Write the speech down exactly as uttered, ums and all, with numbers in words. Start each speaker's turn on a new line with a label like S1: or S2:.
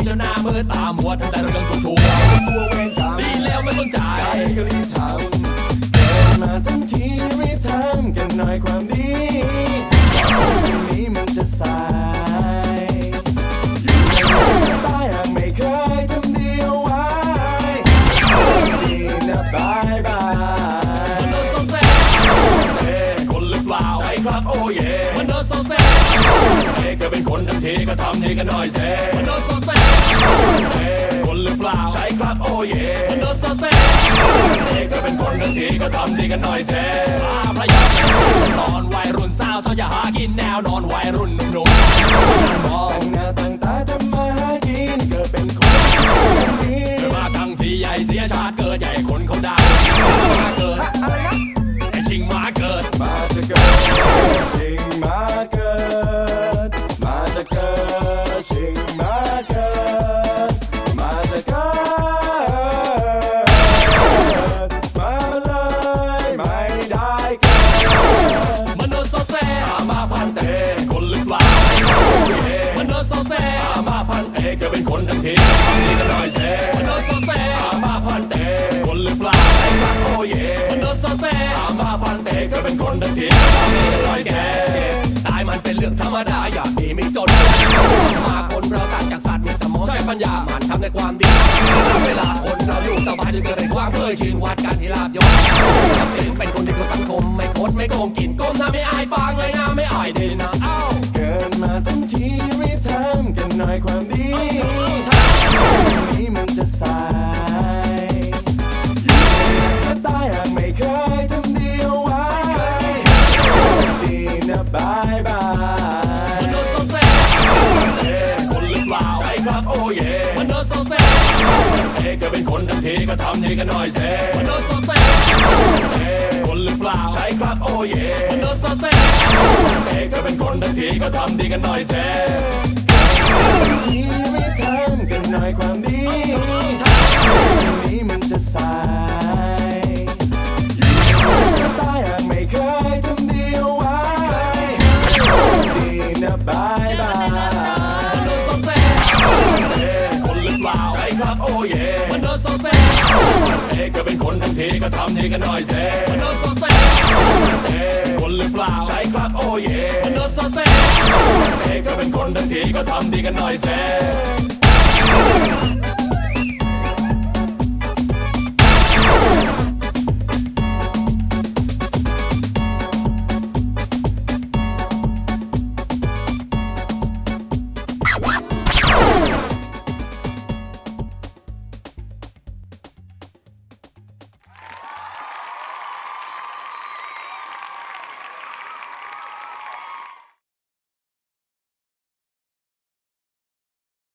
S1: จนหน้ามือตามัวทำแต่เรื่องชั่วๆดีแล้วไม่สนใจ
S2: ก็รีบทำเกิดมาทั้งทีรีบทำกันหน่อยความดีก่อนที่นี้มันจะสายอยู่ในตายหากไม่เคยทำดีเอาไว้ดีนะบายบาย
S1: มันเดินโซเซ่เอ๊คนหรือเปล่า
S2: ใช่ครับโอ้เย่
S1: มันเดินโซเซ่
S2: เอ๊ก็เป็นคนทั้งทีก็ทำดีกันหน่อยเซ่
S1: มันเดินโซเซ่
S2: เอ๊
S1: คนหรือเปล่า
S2: ใช่ครับโอ้เย่
S1: มันเดินโซเซ่
S2: เอ๊ก็เป็นคนทั้งทีก็ทำดีกันหน่อยเซ่
S1: พระยาสอนวัยรุ่นสาวสาวอย่าหากินแนวนอนวัยรุ่นหนุ่มๆมอง
S2: ตั้งหน้าตั้งตาทำมาหากินเกิดเป็นคนแบบนี้
S1: เกิดมาทั้งที่ใหญ่เสียชาติเกิดใหญ่คนเขาด่ามาเกิด
S2: อะไรนะ
S1: ไอชิงมาเกิด
S2: มาจะเกิดชิงมาเกิดมาจะเกิดชิงมาเกิดมาจะเกิดมาเลยไม่ได้เกิด
S1: มันเดินโซเซ่
S2: มาพันเต
S1: คนหรือเปล่ามันเดินโซเซ่
S2: มาพันเตก็เป็นคนทั้งทีทำดีกันหน่อยเซ่
S1: มันเดินโซเซ่
S2: มาพันเต
S1: คนหรือเปล่า
S2: ไอ้ครับโอ้เย่
S1: มันเดินโซเซ่
S2: มาพันเตก็เป็นคนทั้งทีทำดีกันหน่อยเซ่
S1: ตายมันเป็นเรื่องธรรมดาอย่าดีไม่จนมาคนเราต่างจากสัตว์มีสมองใช้ปัญญามันทำในความดีเวลาคนเราอยู่สบายจะเกิดในความเคยชินวัดกันที่ลาบยศจำเป็นเป็นคนดีของสังคมไม่โคตรไม่โกงกินก้มหน้าไม่อายฟังเลยนะไม่อายดีนะเอ้า
S2: เกิดมาทั้งทีรีบทำกันหน่อยความดีนี้มันจะสายอยู่ในตายหากไม่เคยทำดีเอาไว้ดีนะบายบาย
S1: มันเดินโซเซ่คนหรือเปล่า
S2: ใช่ครับโอ้เย่
S1: มันเดินโซเซ่
S2: เอ๊ก็เป็นคนทั้งทีก็ทำดีกันหน่อยเซ่
S1: มันเดินโซเซ่คนหรือเปล่า
S2: ใช่ครับโอ้เย่
S1: มันเดินโซเซ่
S2: เอ๊ก็เป็นคนทั้งทีก็ทำดีกันหน่อยเซ่ทีรีบทำกันหน่อยความดีนี้มันจะสายอยู่ในตายหากไม่เคยทำดีเอาไว้ดีนะบายบาย
S1: มันเดินโซเซ่คนหรือเปล่า
S2: ใช่ครับโอ้เย่
S1: มันเดินโซเซ่
S2: เอ๊ก็เป็นคนทั้งทีก็ทำดีกันหน่อยเซ่
S1: มันเดินโซเซ่คนหรือเปล่า
S2: ใช่ครับโอ้เย่
S1: มันเดินโซเซ่
S2: เอ๊ก็เป็นคนทั้งทีก็ทำดีกันหน่อยเซ่